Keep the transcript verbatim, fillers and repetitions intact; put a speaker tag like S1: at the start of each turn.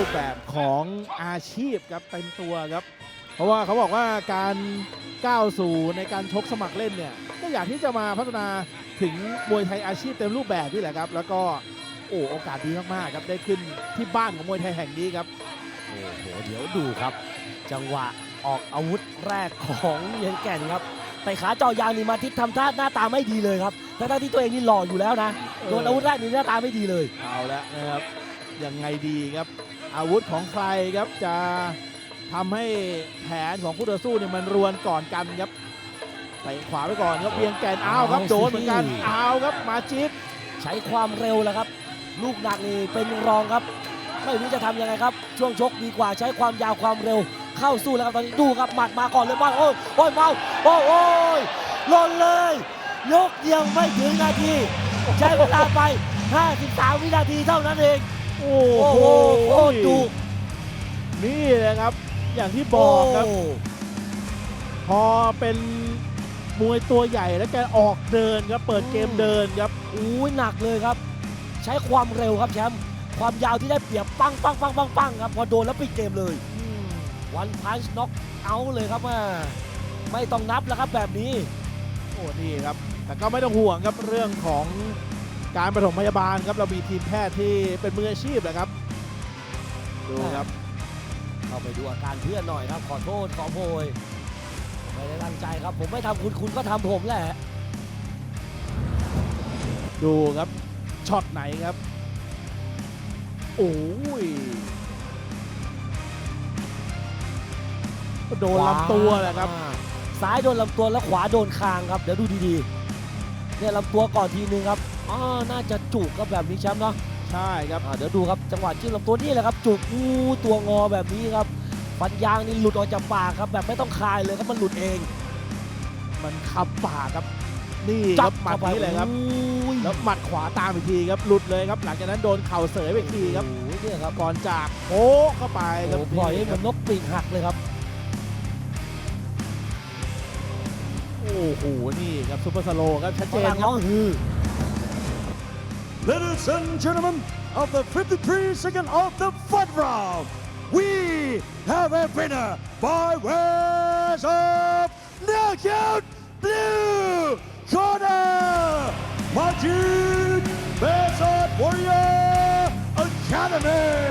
S1: ปแบบของอาชีพครับเต็มตัวครับเพราะว่าเขาบอกว่าการก้าวสู่ในการชกสมัครเล่นเนี่ยก็อยากที่จะมาพัฒนาถึงมวยไทยอาชีพเต็มรูปแบบนี่แหละครับแล้วก็โอ้โอกาสดีมากๆครับได้ขึ้นที่บ้านของมวยไทยแห่งนี้ครับ
S2: โอ้โหเดี๋ยวดูครับ จังหวะออกอาวุธแรกของเวียงแก่นครับแต่ขาเจาะยางนี่มาทิศทำท่าหน้าตาไม่ดีเลยครับทั้งที่ตัวเองนี่หล่ออยู่แล้วนะโดนอาวุธแรกนี่หน้าตาไม่ดีเลย
S1: เอาแล้วนะครับยังไงดีครับอาวุธของใครครับจะทำให้แผนของคู่ต่อสู้เนี่ยมันรวนก่อนกันครับเตะขวาไปก่อนครับเวียงแก่นอ้าวครับโดนเหมือนกันอ้าวครับมาจิ๊บ
S2: ใช้ความเร็วแล้วครับลูกหนักนี่เป็นรองครับไม่รู้จะทำยังไงครับช่วงชกดีกว่าใช้ความยาวความเร็วเข้าสู้แล้วครับตอนนี้ดูครับหมัดมาก่อนเลยมาโอ้ยโอ้ยเมาโอ้ยโอ้ยหล่นเลยยกเดียวไม่ถึงนาทีใช้เวลาไปห้าสิบสามวินาทีเท่านั้นเอง
S1: โอ้โห
S2: โคตรดุ
S1: นี่แหละครับอย่างที่บอกครับพอเป็นมวยตัวใหญ่แล้วแกออกเดินครับเปิดเกมเดินครับ
S2: อู้หนักเลยครับใช้ความเร็วครับแชมป์ความยาวที่ได้เปรียบปังปังปังปังปังครับพอโดนแล้วปิดเกมเลยวันพันช์น็อกเอาเลยครับว่าไม่ต้องนับแล้วครับแบบนี้
S1: โอ้นี่ครับแต่ก็ไม่ต้องห่วงครับเรื่องของการปฐมพยาบาลครับเรามีทีมแพทย์ที่เป็นมืออาชีพนะครับดูครับ
S2: เข้าไปดูอาการเพื่อนหน่อยครับขอโทษขอโพยไม่ได้ตั้งใจครับผมไม่ทำคุณคุณก็ทำผมแหละ
S1: ดูครับช็อตไหนครับโอ้ยโดนลำตัวแหละครับ
S2: ซ้ายโดนลำตัวแล้วขวาโดนคางครับเดี๋ยวดูดีๆเนี่ยลำตัวก่อนทีนึงครับอ๋อน่าจะจุกครับแบบนี้แชมป์เนาะ
S1: ใช่ครับ
S2: เดี๋ยวดูครับจังหวะจิ้มลำตัวนี่แหละครับจุกอู้ตัวงอแบบนี้ครับฟันยางนี่หลุดออกจากปากครับแบบไม่ต้องคายเลยครับมันหลุดเอง
S1: มันขับปากครับนี่ครับหมัดนี้เลยครับแล้วหมัดขวาตามอีกทีครับหลุดเลยครับหลังจากนั้นโดนเข่าเสยไปอีกทีครับ
S2: เนี่ยครับ
S1: ก่อนจากโอ้เข้าไปครับ
S2: ปล่อยให้มันนกปีกหักเลยครับ
S1: โอ้โหนี่ครับซุปเปอร์สโลว์ครับชัดเจนครับ
S3: Ladies and gentlemen of the fifty-three second of the fourth round we have a winner by way of knockout blue corner Majid Besot Warrior Academy